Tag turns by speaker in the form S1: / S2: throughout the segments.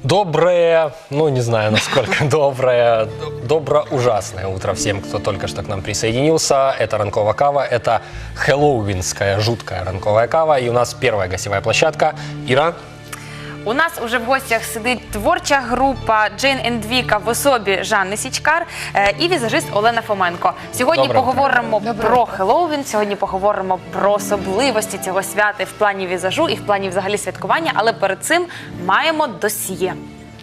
S1: Доброе, ну не знаю насколько доброе, добро-ужасное утро всем, кто только что к нам присоединился. Это ранковая кава, это хэллоуинская жуткая ранковая кава. И у нас первая гостевая площадка. Іра.
S2: У нас уже в гостях сидить творча група Джейн енд Віка в особі Жанни Січкар і візажист Олена Фоменко. Сьогодні поговоримо про Хеллоуін, сьогодні поговоримо про особливості цього свята в плані візажу і в плані взагалі святкування, але перед цим маємо досьє.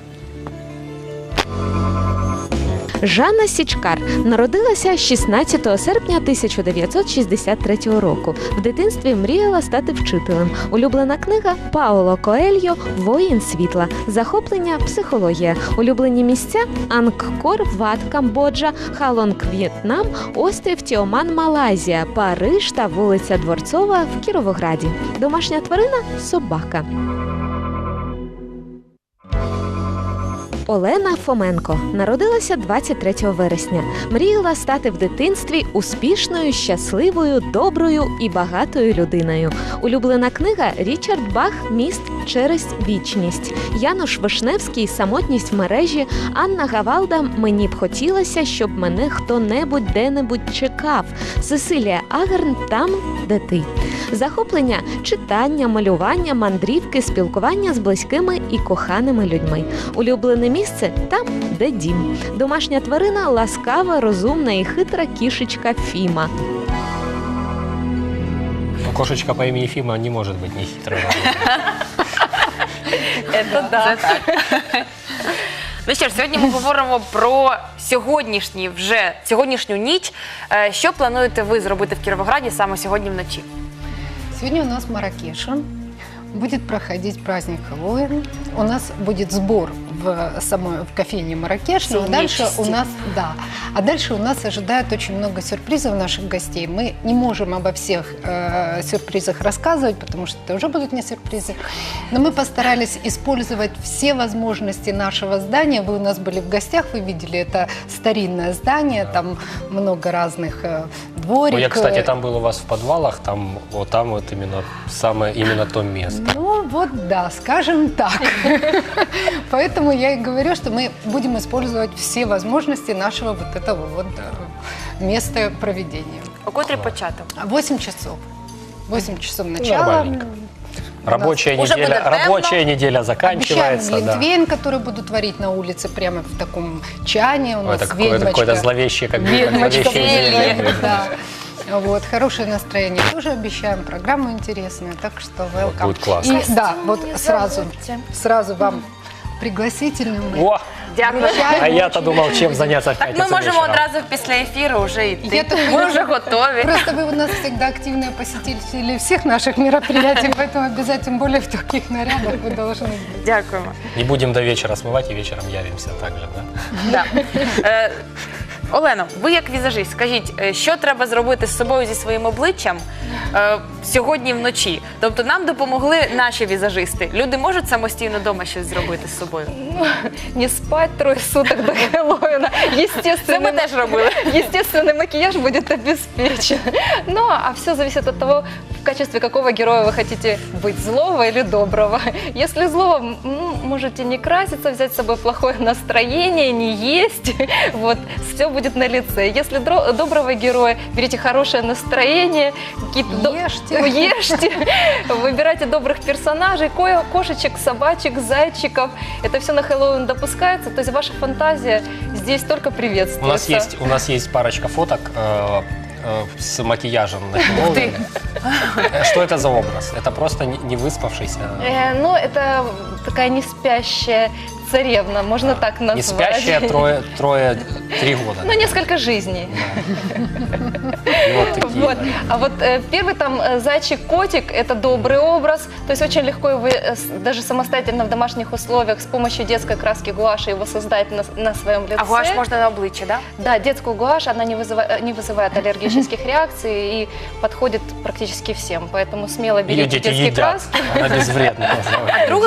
S3: Жанна Січкар народилася 16 серпня 1963 року. В дитинстві мріяла стати вчителем. Улюблена книга Пауло Коельо «Воїн світла». Захоплення – психологія. Улюблені місця – Ангкор, Ват, Камбоджа, Халонг, В'єтнам, острів Тіоман, Малайзія, Париж та вулиця Дворцова в Кіровограді. Домашня тварина – собака. Олена Фоменко народилася 23 вересня. Мріяла стати в дитинстві успішною, щасливою, доброю і багатою людиною. Улюблена книга Річард Бах «Міст через вічність». Януш Вишневський «Самотність в мережі». Анна Гавалда «Мені б хотілося, щоб мене хто-небудь де-небудь чекав». Сесилія Агарн «Там, де ти». Захоплення – читання, малювання, мандрівки, спілкування з близькими і коханими людьми. Улюблене місце – там, де дім. Домашня тварина – ласкава, розумна і хитра кішечка Фіма.
S1: Кошечка по імені Фіма не може бути не хитрою.
S2: Це так. Ну що ж, сьогодні ми говоримо про сьогоднішню ніч. Що плануєте ви зробити в Кіровограді саме сьогодні вночі?
S4: Сегодня у нас в Марракеше будет проходить праздник Хэллоуин. У нас будет сбор в кофейне Марракеш. А дальше у нас ожидает очень много сюрпризов наших гостей. Мы не можем обо всех сюрпризах рассказывать, потому что это уже будут не сюрпризы. Но мы постарались использовать все возможности нашего здания. Вы у нас были в гостях, вы видели, это старинное здание, там много разных двориков.
S1: Я, кстати, там был у вас в подвалах, там вот именно то место.
S4: Ну вот да, скажем так. Поэтому я и говорю, что мы будем использовать все возможности нашего вот этого вот места проведения.
S2: О котрій початок?
S4: 8 часов. 8 часов начала.
S1: Нормальненько. Рабочая неделя заканчивается.
S4: Обещаем глинтвейн, который будут варить на улице прямо в таком чане. У нас
S1: это какое-то зловещее, как зелье.
S4: Да. Вот, хорошее настроение тоже обещаем, программу интересную, так что welcome.
S1: Будет классно.
S4: И да, вот сразу вам пригласительный.
S1: О!
S2: Дякую.
S1: А я-то думал, чем заняться в
S2: Так
S1: пятницу
S2: ми можемо
S1: вечером.
S2: одразу після ефіру вже йти. Ми вже готові.
S4: Просто вы у нас всегда активные посетители всех наших мероприятий, поэтому обязательно, тем более в таких нарядах, вы должны быть.
S2: Дякуємо.
S1: Не будем до вечера смывать и вечером явимся также, да?
S2: Да. Олено, ви як візажист, скажіть, що треба зробити з собою, зі своїм обличчям сьогодні вночі? Тобто нам допомогли наші візажисти. Люди можуть самостійно вдома щось зробити з собою?
S5: Не спать 3 суток до Хэллоуина.
S2: Це ми теж робили.
S5: Естественный макияж будет обеспечен. Ну, а все зависит от того, в качестве какого героя вы хотите быть, злого или доброго. Если злого, можете не краситься, взять с собой плохое настроение, не есть. Вот, все будет на лице. Если доброго героя, берите хорошее настроение, ешьте, выбирайте добрых персонажей, кошечек, собачек, зайчиков. Это все на Хэллоуин допускается, то есть ваша фантазия здесь только приветствуется.
S1: У нас есть парочка фоток с макияжем на Хэллоуин. Что это за образ? Это просто не выспавшийся?
S5: Ну, это такая не спящая царевна, можно так назвать.
S1: Не спящая 3 года.
S5: Ну, несколько жизней.
S1: Вот такие,
S5: Вот.
S1: да.
S5: А вот первый там зайчик-котик – это добрый образ, то есть очень легко его даже самостоятельно в домашних условиях с помощью детской краски гуаши его создать на своем лице.
S2: А гуаш можна на обличчя, да?
S5: Да, детскую гуашь, она не вызывает аллергических реакций и подходит практически всем, поэтому смело
S1: Ее
S5: берите
S1: дети
S5: детские
S1: едят,
S5: краски.
S1: она безвредна.
S2: А другий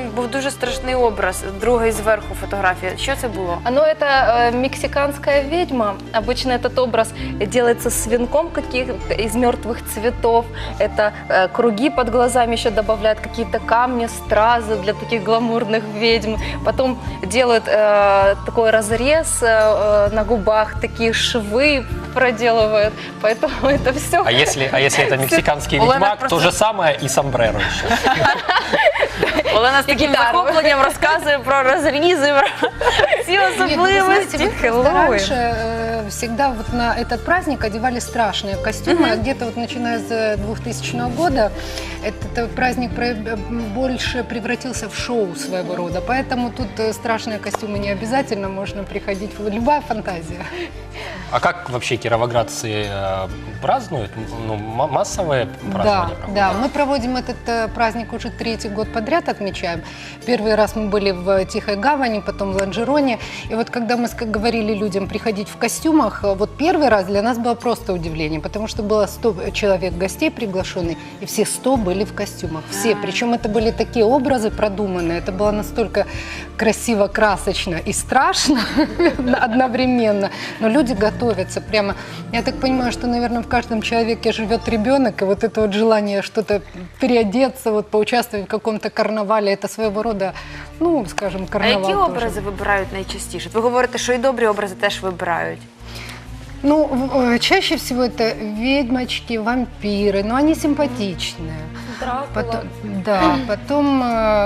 S2: був дуже страшний образ, другий зверху фотографія. Що це було?
S5: Ну, это мексиканская ведьма. Обычно этот образ делается с венком каких-то из мертвых цветов. Это круги под глазами еще добавляют, какие-то камни, стразы для таких гламурных ведьм. Потом делают такой разрез на губах, такие швы проделывают. Поэтому это все.
S1: А если это мексиканский
S2: Олена
S1: ведьмак,
S2: просто-
S1: то же самое и сомбреро еще.
S2: Олена з таким
S5: гітару.
S2: захопленням розказує про розрізи, про всі
S4: Нет, ну, вы знаете,
S2: особливості.
S4: вот просто раньше всегда вот на этот праздник одевали страшные костюмы, а где-то вот начиная с 2000 года этот праздник больше превратился в шоу своего рода, поэтому тут страшные костюмы не обязательно, можно приходить, любая фантазия.
S1: А как вообще кировоградцы празднуют? Ну, массовые празднования проводят?
S4: Да, мы проводим этот праздник уже 3-й год подряд, отмечаем. Первый раз мы были в Тихой Гавани, потом в Ланжероне. И вот когда мы говорили людям приходить в костюмах, вот первый раз для нас было просто удивление, потому что было 100 человек гостей приглашенных, и все 100 были в костюмах. Все. Причем это были такие образы продуманные, это было настолько красиво, красочно и страшно одновременно. Но люди готовятся прямо. Я так понимаю, что, наверное, в каждом человеке живет ребенок, и вот это вот желание что-то переодеться, вот поучаствовать в каком-то карнавале, это своего рода, ну, скажем,
S2: А
S4: карнавал
S2: які
S4: тоже.
S2: образи вибирають найчастіше? Ви говорите, що і добрі образи теж вибирають.
S4: Ну, чаще всего это ведьмочки, вампиры, но они симпатичные.
S5: Дракула.
S4: Потом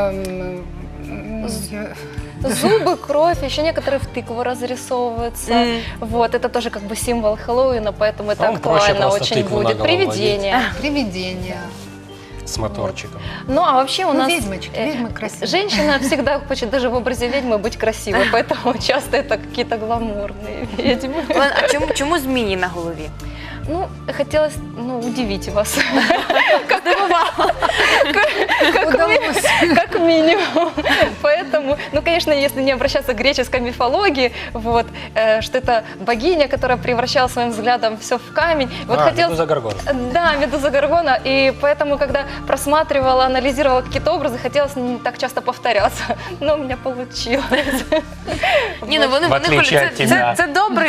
S5: Зубы, кровь, еще некоторые в тыкву разрисовываются. Вот, это тоже как бы символ Хэллоуина, поэтому это
S1: Вам проще
S5: актуально
S1: просто
S5: очень
S1: тыкву на
S5: будет.
S1: голову
S5: Привидения.
S4: привидения.
S1: С моторчиком.
S5: Ну, а вообще у
S4: Ну,
S5: нас...
S4: ведьмочки, ведьмы красивые.
S5: Женщина всегда хочет даже в образе ведьмы быть красивой, поэтому часто это какие-то гламурные ведьмы.
S2: Олена, а чому змії на голові?
S5: Ну, хотелось, удивить вас.
S4: Удалось.
S5: Как минимум. Поэтому, конечно, если не обращаться к греческой мифологии, вот, что это богиня, которая превращала своим взглядом все в камень. Вот
S1: Медуза Горгона.
S5: Да, Медуза Горгона. И поэтому, когда просматривала, анализировала какие-то образы, хотелось не так часто повторяться. Но у меня получилось.
S2: Ні, ну вони
S1: В отличие от тебя.
S2: це добре.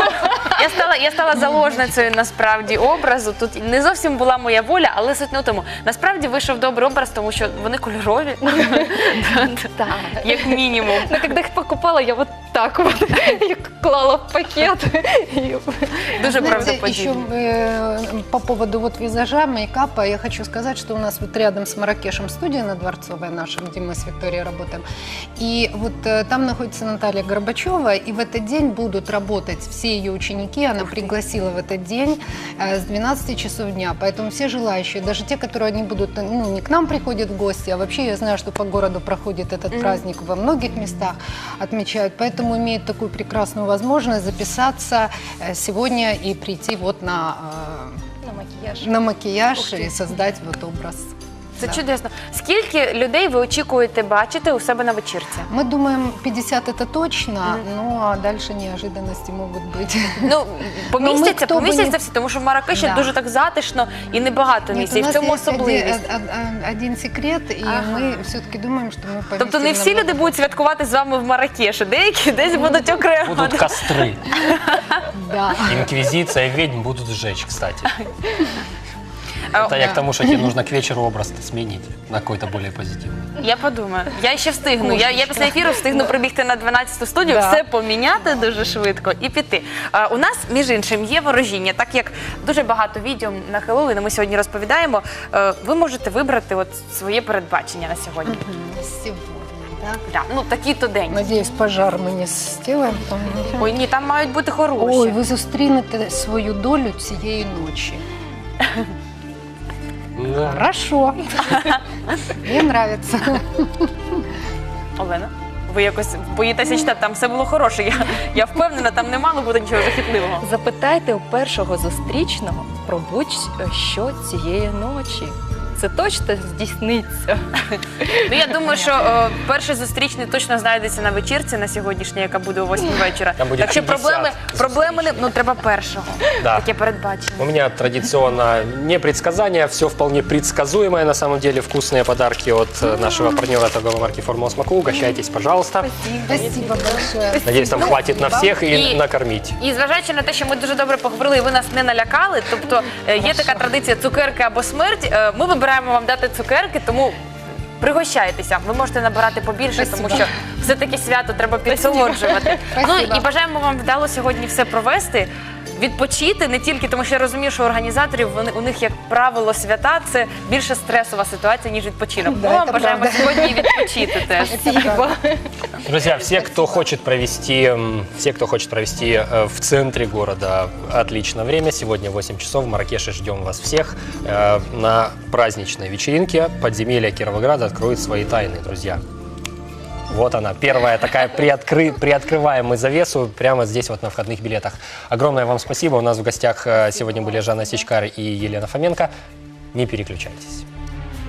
S2: Я стала заложницею насправді образу. Тут не зовсім була моя воля, але суть не в тому. Насправді вийшов добрий образ, тому що вони кольорові,
S5: Да.
S2: як мінімум.
S5: Но когда их покупала, я вот так вот их клала в пакет. И
S2: Дуже
S4: Знаете,
S2: правдоподібно.
S4: еще по поводу вот визажа, мейкапа, я хочу сказать, что у нас вот рядом с Марракешем студия на Дворцовой наша, где мы с Викторией работаем. И вот там находится Наталья Горбачева, и в этот день будут работать все ее ученики. Она пригласила в этот день с 12 часов дня. Поэтому все желающие, даже те, которые не будут, не к нам приходят в гости, а вообще я знаю, что по городу проходит этот праздник во многих местах, отмечают. Поэтому имеют такую прекрасную возможность записаться сегодня и прийти вот
S5: на макияж.
S4: на макияж и создать вот образ.
S2: Це
S4: Да.
S2: чудесно. Скільки людей ви очікуєте бачити у себе на вечірці?
S4: Мы думаем, 50 это точно, ну а дальше неожиданности могут быть.
S2: Ну, помістяться,
S4: хто б
S2: помістяться
S4: не-
S2: всі, тому що в Марракеші
S4: Да.
S2: дуже так затишно і небагато
S4: Нет,
S2: місць,
S4: у
S2: і в
S4: нас
S2: цьому
S4: есть
S2: особливість.
S4: один секрет, и
S2: Ага.
S4: мы все-таки думаем, что мы поместим
S2: Тобто не всі люди
S4: намного-
S2: будуть святкувати з вами в Марракеші, деякі десь будуть окремо.
S1: Будут костры.
S4: Да.
S1: Инквизиция и ведьм будут сжечь, кстати.
S2: А,
S1: Это я к тому, что тебе нужно к вечеру образ сменить на какой-то более позитивный.
S2: Я подумаю. Я ще встигну. Я після ефіру встигну прибігти на 12-ту студію,
S4: Да.
S2: все поміняти дуже швидко і піти. У нас, між іншим, є ворожіння. Так як дуже багато відео на Хеллоуін ми сьогодні розповідаємо, ви можете вибрати от своє передбачення на сьогодні.
S4: Сегодня, да?
S2: Да. Ну, такий-то день.
S4: Надеюсь, пожар мы не сделаем.
S2: Ой, ні, там мають бути хороші.
S4: Ой, ви зустрінете свою долю цієї ночі.
S1: Да.
S4: Хорошо. Мне нравится.
S2: Олена, ви якось боїтеся читати, там все було хороше. Я впевнена, там не мало бути нічого захитливого.
S5: Запитайте у першого зустрічного про будь-що цієї ночі. це точно здійсниться.
S2: Ну, я думаю, що перший зустрічний точно знайдеться на вечірці на сьогоднішній, яка буде о 8 вечора.
S1: Там буде
S2: Так що
S1: 50
S2: проблеми не, ну, треба першого.
S1: Да.
S2: Таке передбачення.
S1: У меня традиционно не предсказания, все вполне предсказуемое. На самом деле вкусные подарки от нашего партнера торговой марки «Формула Смаку». Угощайтесь, пожалуйста.
S4: Спасибо большое.
S1: Надеюсь, там хватит на всех и
S2: И-
S1: накормить.
S2: І зважаючи на те, що ми дуже добре поговорили, і ви нас не налякали, тобто є така традиція цукерки або смерть, ми вибираємо вам дати цукерки, тому пригощайтеся. Ви можете набирати побільше, тому
S4: Спасибо.
S2: що все-таки свято треба підсолоджувати. Ну
S4: Спасибо.
S2: і бажаємо вам вдало сьогодні все провести. Відпочити не тільки, тому що я розумію, що у організаторів у них, як правило, свята це більше стресова ситуація, ніж відпочинок.
S4: Да,
S2: Ми вам
S4: це
S2: бажаємо
S4: правда.
S2: сьогодні відпочити теж.
S5: Спасибо.
S1: Друзья, все, кто хочет провести в центре города отличное время, сегодня 8 часов в Марракеше ждем вас всех на праздничной вечеринке. Подземелье Кировограда откроет свои тайны, друзья. Вот она, первая такая приоткрываемая завесу прямо здесь вот на входных билетах. Огромное вам спасибо. У нас в гостях сегодня были Жанна Сичкар и Елена Фоменко. Не переключайтесь.